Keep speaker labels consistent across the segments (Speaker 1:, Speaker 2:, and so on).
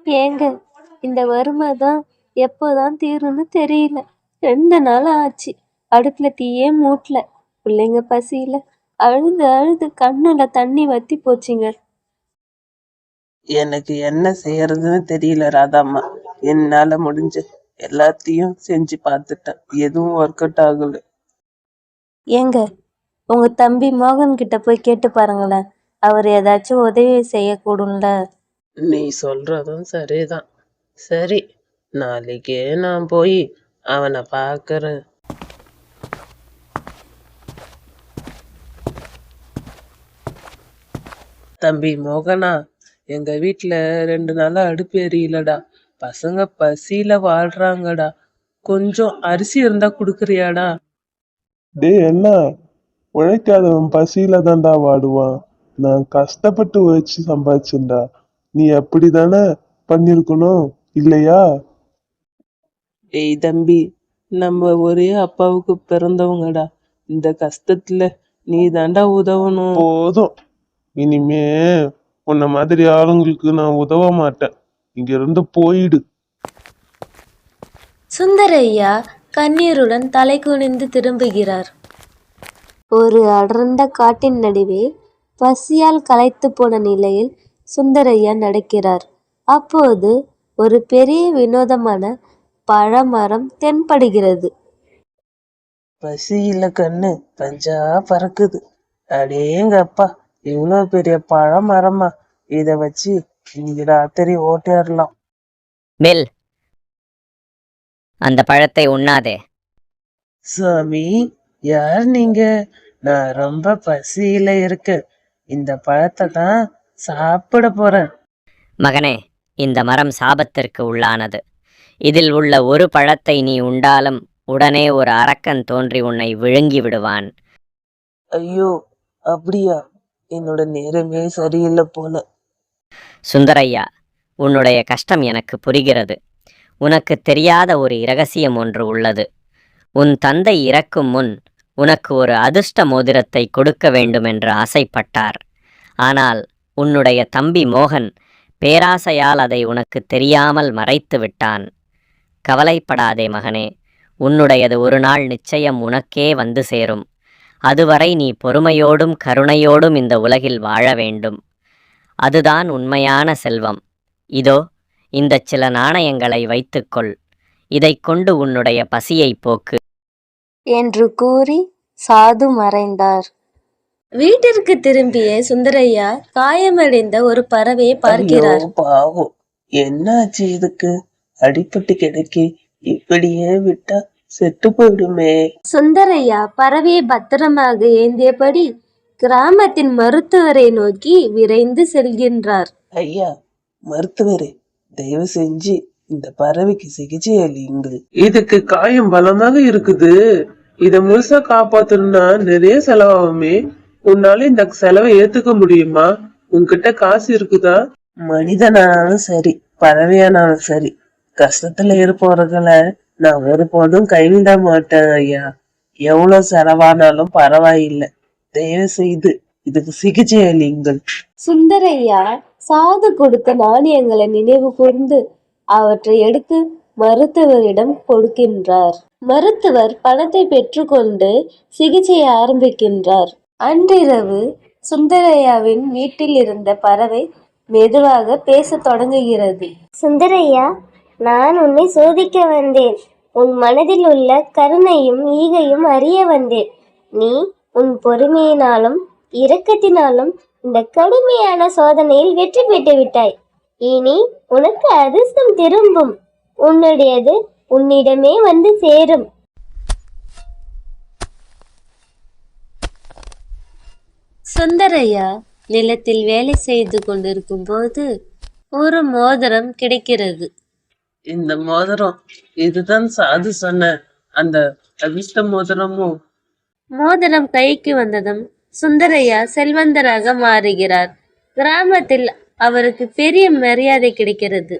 Speaker 1: ஏங்க, இந்த வறுமை தான் எப்போதான் தீரும்னு தெரியல. 2 நாள் ஆச்சு. அடுப்புல தீயே மூட்டல. பிள்ளைங்க பசியில அழுது அழுது கண்ணுல தண்ணி வத்தி போச்சுங்க.
Speaker 2: எனக்கு என்ன செய்யறதுன்னு தெரியல ராதாம்மா. என்னால முடிஞ்ச எல்லாத்தையும் செஞ்சு பார்த்துட்டேன். எதுவும் ஒர்க் அவுட் ஆகல.
Speaker 1: ஏங்க, உங்க தம்பி மோகன் கிட்ட போய் கேட்டு பாருங்களேன். அவர் ஏதாச்சும் உதவி செய்யக்கூடும்ல.
Speaker 2: நீ சொல்றதும் சரிதான். சரி, நாளைக்கே நான் போய் அவனை பார்க்கறேன். தம்பி மோகனா, எங்க வீட்டுல 2 நாளா அடுப்பு எரியலடா. பசங்க பசியில வாழ்றாங்கடா. கொஞ்சம் அரிசி இருந்தா குடுக்குறியாடா?
Speaker 3: டேய் என்ன, உழைக்காதவன் பசியில தான்டா வாடுவான். நான் கஷ்டப்பட்டு உழைச்சு சம்பாதிச்சேன்டா. நீ அப்படிதானே பண்ணிருக்கணும், இல்லையா?
Speaker 2: ஏய் தம்பி, நம்ம ஒரே அப்பாவுக்கு பிறந்தவங்கடா. இந்த கஷ்டத்துல நீ தாண்டா உதவணும்.
Speaker 3: போதும், இனிமே உன்ன மாதிரி ஆளுங்களுக்கு நான் உதவ மாட்டேன். இங்க இருந்து போயிடு.
Speaker 1: சுந்தரையா கண்ணீருடன் தலை குனிந்து திரும்புகிறார். ஒரு அடர்ந்த காட்டின் நடுவே பசியால் களைத்து போன நிலையில் சுந்தரையா நடக்கிறார். அப்போது ஒரு பெரிய வினோதமான பழமரம் தென்படுகிறது.
Speaker 2: பசியில கண்ணு பஞ்சா பறக்குது. அடேங்கப்பா, இவ்வளவு பெரிய பழமரமா? இத வச்சு இன்னைக்கு ராத்திரி ஓட்டிடலாம்.
Speaker 4: பில், அந்த பழத்தை உண்ணாதே.
Speaker 2: சாமி, யார் நீங்க? நான் ரொம்ப பசியில இருக்கேன். இந்த பழத்தை தான் சாப்பிட போறேன்.
Speaker 4: மகனே, இந்த மரம் சாபத்திற்கு உள்ளானது. இதில் உள்ள ஒரு பழத்தை நீ உண்டாலும் உடனே ஒரு அரக்கன் தோன்றி உன்னை விழுங்கி விடுவான்.
Speaker 2: ஐயோ, அப்படியா? என்னோட நேரமே சரியில்லை போல.
Speaker 4: சுந்தரையா, உன்னுடைய கஷ்டம் எனக்கு புரிகிறது. உனக்கு தெரியாத ஒரு இரகசியம் ஒன்று உள்ளது. உன் தந்தை இறக்கும் முன் உனக்கு ஒரு அதிர்ஷ்ட மோதிரத்தை கொடுக்க வேண்டுமென்று ஆசைப்பட்டார். ஆனால் உன்னுடைய தம்பி மோகன் பேராசையால் அதை உனக்கு தெரியாமல் மறைத்து விட்டான். கவலைப்படாதே மகனே, உன்னுடையது ஒரு நாள் நிச்சயம் உனக்கே வந்து சேரும். அதுவரை நீ பொறுமையோடும் கருணையோடும் இந்த உலகில் வாழ வேண்டும். அதுதான் உண்மையான செல்வம். இதோ இந்த சில நாணயங்களை வைத்துக்கொள். இதைக் கொண்டு உன்னுடைய பசியை போக்கு
Speaker 1: என்று கூறி சாது மறைந்தார். வீட்டிற்கு திரும்பிய சுந்தரையா காயமடைந்த ஒரு பறவையை பார்க்கிறார்.
Speaker 2: ஐயோ, பாவம், என்னாச்சு இதுக்கு? அடிபட்டு கிடக்கி, இப்படியே விட்டா செத்து போயிடுமே.
Speaker 1: சுந்தரையா பறவையை பத்திரமாக ஏந்தியபடி கிராமத்தின் மருத்துவரை நோக்கி விரைந்து செல்கின்றார்.
Speaker 2: ஐயா மருத்துவரே, தயவு செஞ்சு இந்த பறவைக்கு சிகிச்சை அளியுங்கள். இதுக்கு காயம் பலமாக இருக்குது. இத முழுசா காப்பாத்தணும்னா நிறைய செலவாகுமே. உன்னால இந்த செலவை ஏத்துக்க முடியுமா? உன்கிட்ட காசு இருக்குதா? மனிதனானாலும் சரி, பறவையானாலும் சரி, கஷ்டத்துல இருப்பவர்களை நான் ஒருபோதும் கைவிட மாட்டேன் ஐயா. எவ்வளவு செலவானாலும் பரவாயில்லை. தயவு செய்து இதுக்கு சிகிச்சை அளியுங்கள்.
Speaker 1: சுந்தரையா சாது கொடுத்த நாணயங்களை நினைவு கூர்ந்து அவற்றை எடுத்து மருத்துவரிடம் கொடுக்கின்றார். மருத்துவர் பணத்தை பெற்றுக்கொண்டு சிகிச்சையை ஆரம்பிக்கின்றார். அன்றிரவு சுந்தரையாவின் வீட்டில் இருந்த பறவை மெதுவாக பேசத் தொடங்குகிறது.
Speaker 5: சுந்தரையா, நான் உன்னை சோதிக்க வந்தேன். உன் மனதில் உள்ள கருணையும் ஈகையும் அறிய வந்தேன். நீ உன் பொறுமையினாலும் இரக்கத்தினாலும் இந்த கடுமையான சோதனையில் வெற்றி பெற்று விட்டாய். இனி உனக்கு அதிர்ஷ்டம் திரும்பும். உன்னுடையது உன்னிடமே வந்து சேரும்.
Speaker 1: சுந்தரையா நிலத்தில் வேலை செய்து கொண்டிருக்கும் போது ஒரு மோதிரம் கிடைக்கிறது.
Speaker 2: இந்த மோதிரம், இதுதான் சாது சொன்ன அந்த அதிர்ஷ்ட மோதிரமோ?
Speaker 1: மோதிரம் கைக்கு வந்ததும் சுந்தரையா செல்வந்தராக மாறுகிறார். கிராமத்தில் அவருக்கு பெரிய மரியாதை கிடைக்கிறது.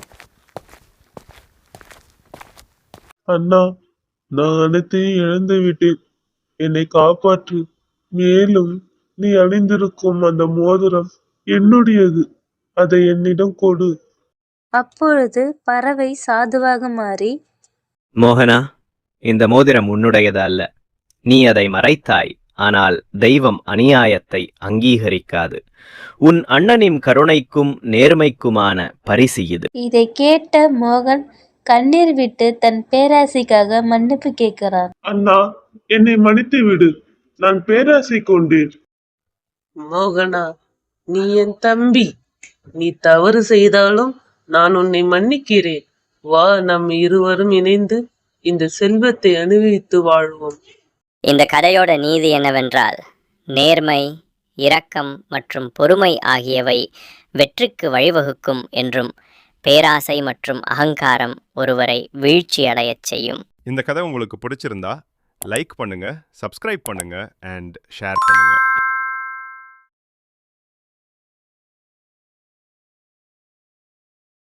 Speaker 3: அண்ணா, நான் அனைத்தையும் இழந்து விட்டேன். என்னை காப்பாற்று. மேலும் நீ அணிந்திருக்கும் அந்த மோதிரம் என்னுடையது. அதை என்னிடம் கொடு.
Speaker 1: அப்பொழுது பறவை சாதுவாக மாறி,
Speaker 6: மோகனா, இந்த மோதிரம் உன்னுடையது அல்ல. நீ அதை மறைத்தாய். ஆனால் தெய்வம் அநியாயத்தை அங்கீகரிக்காது. உன் அண்ணனின் கருணைக்கும் நேர்மைக்குமான பரிசு இது.
Speaker 1: இதை கேட்ட மோகன் கண்ணீர் விட்டு தன் பேராசைக்காக மன்னிப்பு கேட்கிறான்.
Speaker 3: அண்ணா, என்னை மன்னித்து விடு. நான் பேராசை கொண்டேன்.
Speaker 2: மோகனா, நீ என் தம்பி. நீ தவறு செய்தாலும் நான் உன்னை மன்னிக்கிறேன். வா, நம் இருவரும் இணைந்து இந்த செல்வத்தை அனுபவித்து வாழ்வோம்.
Speaker 4: இந்த கதையோட நீதி என்னவென்றால், நேர்மை, இரக்கம் மற்றும் பொறுமை ஆகியவை வெற்றிக்கு வழிவகுக்கும் என்றும், பேராசை மற்றும் அகங்காரம் ஒருவரை வீழ்ச்சி அடையச் செய்யும்.
Speaker 7: இந்த கதை உங்களுக்கு பிடிச்சிருந்தா லைக் பண்ணுங்க, சப்ஸ்கிரைப் பண்ணுங்க அண்ட் ஷேர் பண்ணுங்க.